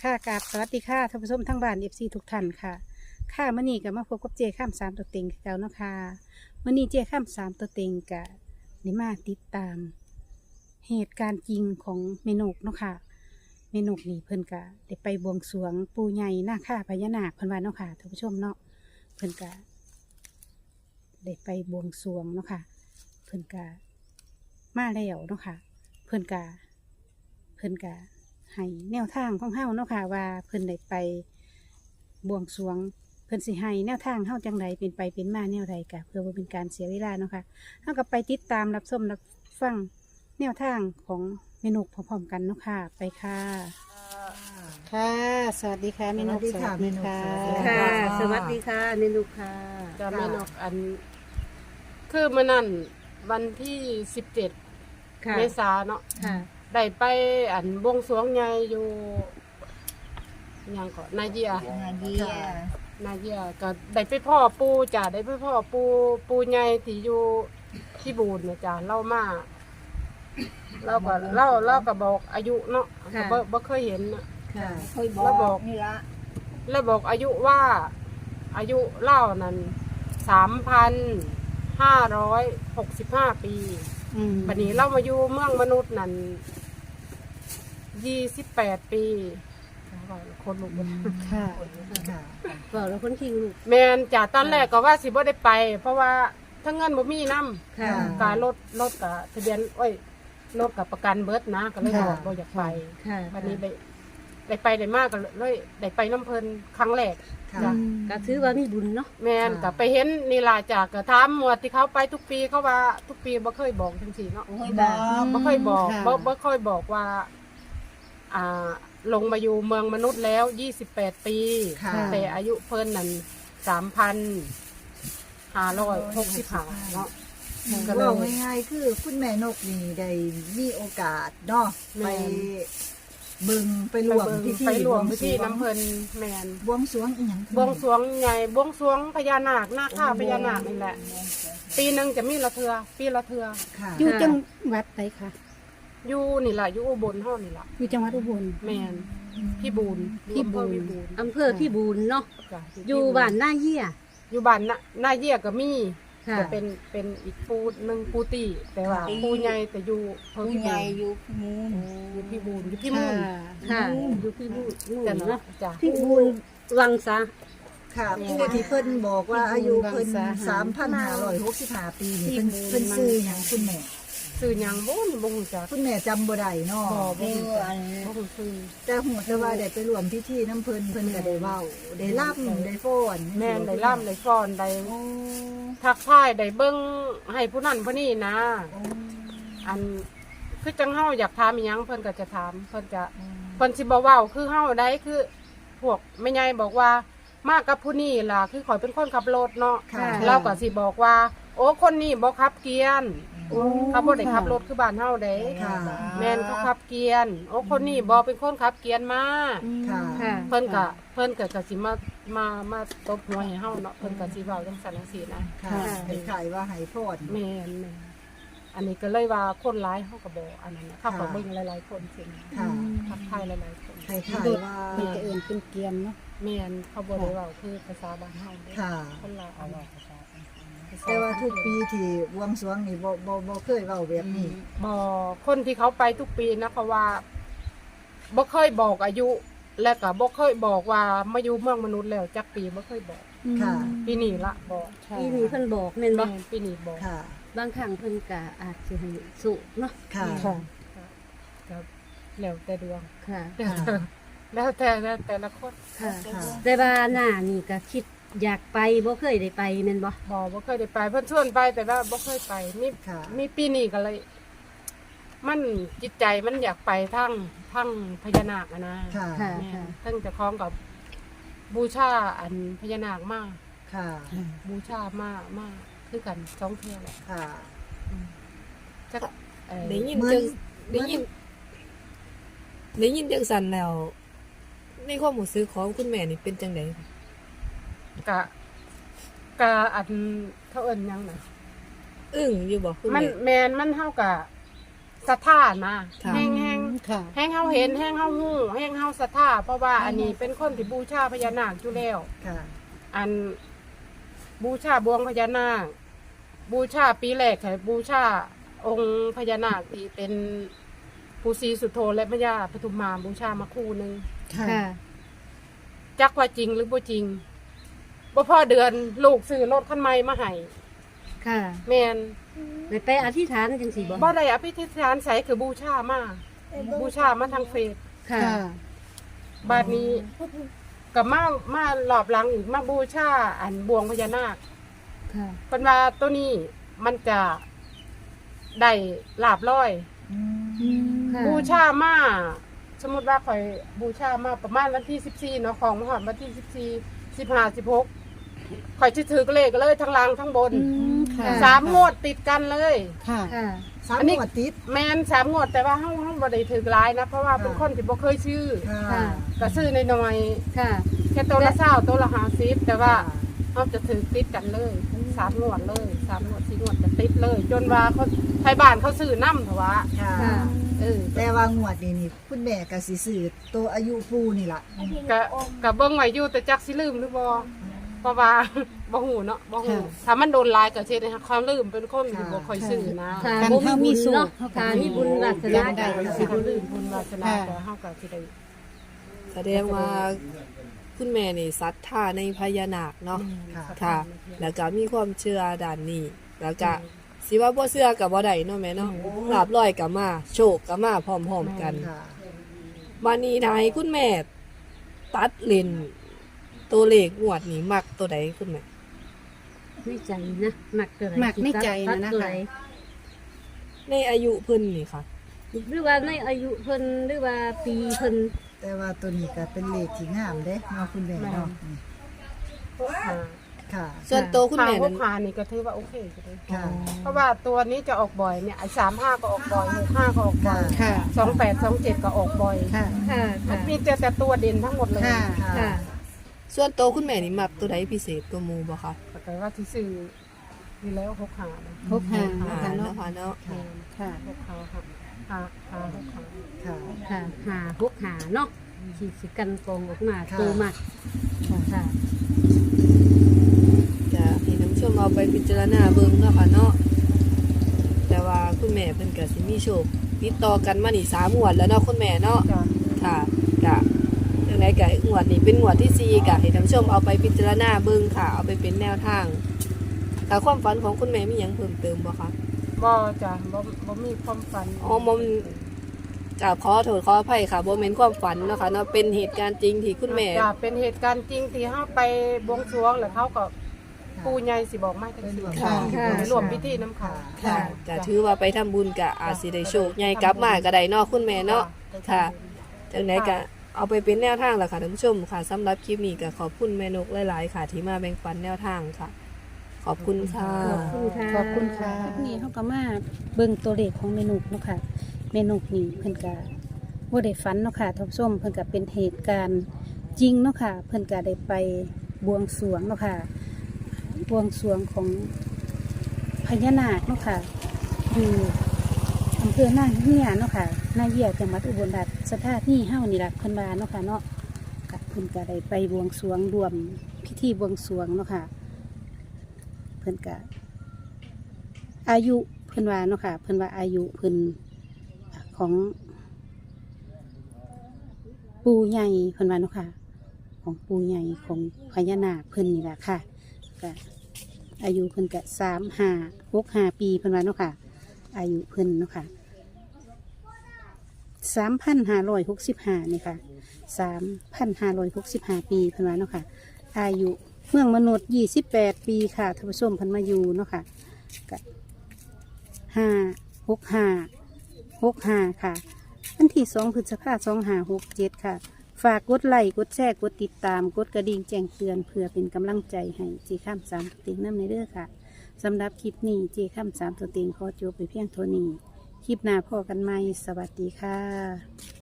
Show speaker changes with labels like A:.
A: ค่ะกราบสวัสดีค่ะท่านผู้ชมทั้งบ้านเอฟซีทุกท่านค่ะค่ะมื้อนี้ก็มาพบกับเจข้ามสามตัวเต็งคือเก่าเนาะค่ะมื้อนี้เจข้ามสามตัวเต็งกะได้มาติดตาม เหตุการณ์จริงของเมนกเนาะค่ะเมนกนี่เพิ่นกะได้ไปบวงสรวงปู่ใหญ่นาคาพญานาคเพิ่นว่าเนาะค่ะท่านผู้ชมเนาะเพิ่นกะได้ไปบวงสรวงเนาะค่ะเพิ่นกะมาแล้วเนาะค่ะเพิ่นกะให้แนวทางของเฮาเนาะค่ะว่าเพิ่นได้ไปบวงสรวงเพิ่นสิให้แนวทางเฮาจังไดเป็นไปเป็นมาแนวใดกะเพื่อบ่เป็นการเสียเวลาเนาะค่ะเฮาก็ไปติดตามรับชมรับฟังแนวทางของเมนูพร้อมๆกันเนาะค่ะไปค่ะค่ะสวัสดีค่ะเมนู
B: สวัสดีค่ะเมนู
A: ค่ะ
B: ค่ะ
C: สวัสดีค่ะเมนูค่ะ
B: จะไม่นกอัน คือมื่อนั้นวันที่17
C: ค่ะ
B: เมษาเนาะ
C: ค่ะ
B: ได้ไปอันบวงสรวงใหญ่อยู่หยังก็นาเยีย นาเยียก็ได้ไปพ่อปูจ้ะได้ไปพ่อปูใหญ่ที่อยู่ที่บูนนะจ้ะเล่ามาเราก็บอกอายุเนาะก็บ่เคยเห็นน่ะ
C: ค่ะ
D: เคยบ
B: แล้วบ
D: อ
B: อก
D: กนี่ละ
B: แล้วบอกอายุว่าอายุเล่านั้น3,565 ปี
A: อืม
B: ปัจนี้เรามาอยู่เมืองมนุษย์นั่น28 ปีคนลุก
A: ค่ะ
B: ค่ะ
C: บอกแล้วคนคิงลูก
B: แมนจากตอนแรกก็ว่าสิบ่ได้ไป เพราะว่าทั้งเงินบ่มีนำ
C: ค่ะ
B: การรถกับทะเบียนรถกับประกันเบิดนะก็เลยบอกบ่อยากไป
C: ค่ะ
B: วันนี้ได้ไปได้มากก็เลยได้ไปน้ำเพลินครั้งแรก
C: จ้ะก็ถือว่ามีบุญเนาะ
B: แมนก็ไปเห็นนี่ล่ะจากก็ถามหมวดที่เขาไปทุกปีเขาว่าทุกปีบ่เคยบอกจังซี่เนาะ
D: เคยบอก
B: บ่เคยบอก
A: ค่ะ
B: บ่เคยบอกว่า ลงมาอยู่เมืองมนุษย์แล้ว28 ปี
D: ค่ะ
B: แต่อายุเพิ่นนั่น3,565เนาะก็เลย
D: ว่าง่ายๆคือคุณแม่นกนี่ได้มีโอกาสเนาะ
B: แม่
D: ไปบึงไปรวมพิธี
B: ไปรวมพิธีน้ำเพลินแมน
D: บวงสรวงอีหยัง
B: บวงสรวงใหญ่บวงสรวงพญานาคหน้าข้าพญานาคนี่แหละ ปีหนึ่งจะมีละเทือปีละเทือ
D: ค่ะ
A: อยู่จังหวัดใดคะ
B: อยู่นี่แหละอยู่อุบลห้อนี่แหละ
A: อยู่จังหวัดอุบล
B: แมนพี่บูน
A: พี่บูน
C: อำเภอพี่บูนเนาะ
B: จ้ะ
C: อยู่บ้านหน้าเยี่ย
B: อยู่บ้านหน้าเยี่ยก็มี
C: ค่ะ
B: จะเป็นอีกปูหนึ่งปูตีแต่ว่าปูใหญ่แต่อยู่เพิ่ง
D: ผู้ใหญ่อยู่มูล
B: อยู่พี่บูนอยู่พี่มุ่น
C: ค่ะอยู่พี่บูน
B: จ้ะ
C: เนาะ
B: จ้ะ
C: พี่บูนวังซะ
D: ค่ะผู้ที่เพิ่นบอกว่าอายุเพิ่น
A: สาหา
D: 3,565 ปีนี่เพิ่นซื้อหยังคุณแม่
B: ซื้อหยังบ่นี่บ่ฮู้จัก
D: คุณแม่จำบ่ได้เนาะ
B: บ่ฮู้จักบ่ฮู้ซื้อ
D: แต่หูแต่ว่าได้ไปรวมพิธีน้ำเพิ่นก็ได้เว้าได้ล่ำได้ฟ้อน
B: แม่นได้ล่ำได้ฟ้อนได้
D: โอ้
B: ทักทายได้เบิ่งให้ผู้นั้นผู้นี้นะ อันคือจังเฮาอยากถามอีหยังเพิ่นก็จะถามเพิ่นสิบ่เว้าคือเฮาได้คือ พวกแม่ใหญ่บอกว่ามากับผู้นี้ล่ะคือข่อยเป็นคนขับรถเนาะ
D: ค่ะ
B: เราก็สิบอกว่า โอ้คนนี้บ่ขับเกียร์
D: โอ้
B: เขาบ่ได้ขับรถคือบ้านเฮาเด้
D: ค่ะ
B: แม่นเขาขับเกียร์โอ้คนนี้บ่เป็นคนขับเกียร์มา
D: ค่ะ
C: ค่ะ
B: เพิ่นก็สิมาตบหัวให้เฮาเนาะเพิ่นก็สิเว้าจังซั่นจังซี่นะ
D: ค่ะให้ขายว่าให้ฟ้อน
B: แม่นอันนี้ก็เลยว่าคนร้ายเขาก็บอกอันนั้นนะเขาก็เบิ่งหลายๆคนสิ
D: ค่ะ
B: ทักทายหลายๆคน
D: ให้ขายว่า
A: เพิ่นก็เอิ้นเป็นเกียมเนาะ
B: แม่นเขาบ่ได้เว้าคือภาษาบ้านเฮาเด้
D: ค่ะ
B: คนลาวเอาเว้าภาษา
D: แต่ว่าทุกปีที่บวงสรวงนี่บ่เคยเว้าแบบนี้
B: บ่คนที่เขาไปทุกปีนะเขาว่าบ่เคยบอกอายุ และก็บ่เคยบอกว่ามาอยู่เมืองมนุษย์แล้วจักปีบ่เคยบอก
D: ค่ะ
B: ปีนี้ละบอก
C: ปีนี้เพิ่นบอกแม่นบ่
B: แม่นปีนี้บอก
D: ค่ะ
C: บางครั้งเพิ่นก็อาจสิให้สุเนาะ
D: ค่ะ
A: ค่ะ
B: ก็แล้วแต่ดวง
C: ค่ะ
B: แล้วแต่ละคน
C: ค่ะ
D: ค่ะ
C: แต่ว่าหน้านี่ก็คิดอยากไปบ่เคยได้ไปแม่นบ่
B: บ่เคยได้ไปเพิ่นชวนไปแต่ว่าบ่เคยไปมี
D: ค่ะ
B: มีปีนี้ก็เลย มันจิตใจมันอยากไปทั้งพญานาคอะนะ
D: ค่ะ
C: ค่ะ
B: แม่
C: ค่ะ
B: ทั้งเจะคล้าของกับบูชาอันพญานาคมาก
D: ค่ะ
B: บูชามากคือกันสองเท่าแหละ
D: ค่ะ
B: จัก
E: ได้ยิน
D: เหมือน
E: จังได้ยินได้ยินจังสันแล้ว ในความรู้สึกของคุณแม่นี่เป็นจังได
B: กะอันเขาเอิ้นหยังน่ะ
E: อึ้งอยู่บ่คุณ
B: มัน
E: แม่
B: มันเฮากะศรัทธานะ
E: ค่ะ
B: แห้ง
A: ค่ะ
B: แห้งเฮาเห็นแห้งเฮาฮู้แห้งเฮาศรัทธาเพราะว่าอันนี้เป็นคนที่บูชาพญานาคอยู่แล้ว
D: ค่ะ
B: อันบูชาบวงพญานาคบูชาปีแรกให้บูชาองค์พญานาคที่เป็นปู่ศรีสุโธและพญาปทุมมาบูชามาคู่หนึง
A: ค่ะ
C: ค่ะ
B: จักว่าจริงหรือบ่จริงบ่พอเดือนลูกซื้อรถคันใหม่มาให้
C: ค่ะ
B: แม่น
C: ไปอธิษฐานจังซี่บ่
B: บ่ได้อภิธิษฐานใส่คือบูชามาบูชามาทางเฟซ
C: ค่ะ
A: ค่ะ
B: บาดนี้กับมารอบหลังอีกมาบูชาอันบวงพญานาค
C: ค่ะ
B: เป็นว่าตัวนี้มันจะได้ลาบร้อย
C: ค่ะ
B: บูชามาสมมติว่าคอยบูชามาประมาณวันที่14เนาะของมหอดวันที่14 15 16คอยจะถือเลขเลยทั้งล่างทั้งบน
A: ค่ะ
B: 3 งวดติดกันเลย
A: ค่ะ
C: ค่ะ
D: สาม
B: อันนี้
D: หมวดติด
B: แมน3 งวดแต่ว่าเฮาบ่ได้ถือหลายนะเพราะว่าเป็นคนที่บ่เคยซื้อ
D: ค่ะ
B: ก็ซื้อน้อย
C: ค่ะ
B: ๆแค่ตัวละ20ตัวละ50แต่ว่าเฮาจะถือติดกันเลย3 งวดเลย3 งวด4 งวดจะติดเลย จนว่าเขาไทยบ้านเขาซื้อนำเถอะวะ
D: ค่ะ
C: ค่ะ
D: แต่ว่างวดนี่คุณแม่ก็สิซื้อตัวอายุปูนี่ล่ะ
B: ก็เบิ่งไว้อยู่แต่จักสิลืมหรือบ่เพราะว่า บ่ฮู้เนาะบ่ฮู้
A: ค่ะ
B: ถ้ามันโดนหลายก็สิได้ความลืมเป็นคนที่บ่ค่อยซื้อนะ
C: ค่ะ
A: การ
C: บ่
A: เฮามี
C: มี
A: สู
C: บุญ
A: ตร
C: เนาะค่ะมีบุญวาสนา
A: ได้
B: ก็สิบ่ลืมบุญวาสนา
A: ค่ะ
B: แต่เฮาก็สิได้
E: แสดงว่าคุณแม่นี่ศรัทธาในพญานาคเนาะ
D: ค่ะ
E: ค่ะ แล้วก็มีความเชื่อด้านนี้ แล้วก็สิว่าบ่เชื่อก็บ่ได้เนาะแม่เนาะลาบลอยก็มาโชคก็มาพร้อมๆกัน
D: ค่ะ
E: บัดนี้ถ้าให้คุณแม่ตัดเลนตัวเลขงวดนี้มักตัวใดคุณแม่
C: ในใจนะหนักตัวไหน
A: หนักในใจนะ
C: ตัดตัวไห
E: ในอายุเพิ่นนี่ค่ะ
C: หรือว่าในอายุเพิ่นหรือว่าปีเพิ่น
D: แต่ว่าตัวนี้ก็เป็นเลขที่งามเด้เนาะคุณแม่เนาะนี่
B: พวกหา
D: ค่ะ
E: ส่วนตัวคุณ
B: ทาง
E: แม่
B: พว
E: นั้
B: ก
E: น
B: หานี่ก็ถือว่าโอเคก็ได้
D: ค่ะ
B: เพราะว่าตัวนี้จะออกบ่อยเนี่ยไอ้35ก็ออกบ่อย65ก็ออกบ่อย
A: ค่ะ
B: 28 27ก็ออกบ่อย
A: ค่ะ
C: ค่ะค่ะ
B: มีแต่ตัวเด่นทั้งหมดเลย
A: ค่ะ
C: ค่ะ
E: ส่วนตัวคุณแม่นี่มักตัวใดพิเศษกว่าหมู่บ่คะ
B: แต่ว่าที่ซื้อนี่แล้วพกหานะ
A: พบหา
E: อ่า
A: ค่ะ
E: เนาะ
A: เนาะ
E: ค่ะเนาะ
A: ค่ะ
B: พกหาค่ะหาพกหา
D: ค่ะ
C: ค่ะหาพวกหาเนาะที่สิกันกองออกมา
D: ค่ะ
C: ตัวมักค่ะ
E: จะให้ท่านผู้ชมเอาไปพิจารณาเบิ่งเนาะค่ะเนาะแต่ว่าคุณแม่เพิ่นก็สิมีโชคติดต่อกันมานี่3งวดแล้วเนาะคุณแม่เนาะ
B: จ้ะ
E: ค่ะกะยังไงกะงวดนี้เป็นงวดที่สี่กะให้ท่านผู้ชมเอาไปพิจารณาเบิ่งค่ะ เอาไปเป็นแนวทางค่ะความฝันของคุณแม่มีหยังเพิ่มเติมบ่คะ
B: บ่จ้ะบ่มีความฝัน
E: อ๋อบ่กราบขอโทษขออภัยค่ะบ่แม่นความฝันเนาะค่ะเนาะเป็นเหตุการณ์จริงที่คุณแม่
B: จ้ะเป็นเหตุการณ์จริงที่เฮาไปบวงสรวงแล้วเขาก็ปู่ใหญ่สิบอกมาจังซี่
A: ค่ะ
B: ไปร่วมพิธีนำเขา
E: ค่ะก็ถือว่าไปทำบุญกะอาจสิได้โชคใหญ่กลับมาก็ได้เนาะคุณแม่เนาะค่ะจังไดก็เอาไปเป็นแนวทางล่ะค่ะท่านผู้ชมค่ะสำหรับคลิปนี้ก็ขอบคุณแม่นกหลายๆค่ะ ที่มาแบ่งปันแนวทางค่ะ ขอบคุณค่ะ
C: ขอบคุณค่ะ
A: ขอบคุณค่ะนี่เขาก็มาเบิ่งตัวเลขของเมนูเนาะค่ะเมนูนี่เพิ่นก็บ่ได้ฝันเนาะค่ะท่านผู้ชมเพิ่นก็เป็นเหตุการณ์จริงเนาะค่ะเพิ่นก็ได้ไปบวงสรวงเนาะค่ะบวงสรวงของพญานาคเนาะค่ะอยู่อำเภอหน้าเหี้ยเนาะค่ะหน้าเหี้ยจังหวัดอุบลราชธานีเฮานี่ล่ะเพิ่นว่าเนาะค่ะเนาะก็เพิ่นก็ได้ไปบวงสรวงรวมพิธีบวงสรวงเนาะค่ะ เพิ่นก็อายุเพิ่นว่าเนาะค่ะเพิ่นว่าอายุเพิ่นของปู่ใหญ่เพิ่นว่าเนาะค่ะของปู่ใหญ่ของพญานาคเพิ่นนี่แหละค่ะก็อายุเพิ่นก็3565 ปีเพิ่นว่าเนาะค่ะอายุเพิ่นเนาะค่ะ3,565นี่ค่ะ3,565 ปีเพิ่นว่าเนาะค่ะอายุ เมืองมนุษย์28 ปีค่ะท่านผู้ชมเพันมาอยู่เนาะค่ะกับ56565ค่ะวันที่2 พฤษภาคม 2567 ค่ะ ฝากกดไลค์กดแชร์กดติดตามกดกระดิ่งแจ้งเตือนเพื่อเป็นกำลังใจให้เจข้าม3ตัวเต็งน้ำในเด้อค่ะสำหรับคลิปนี้เจข้าม3ตัวเต็งขอจบไปเพียงเท่านี้ คลิปหน้าพอกันใหม่สวัสดีค่ะ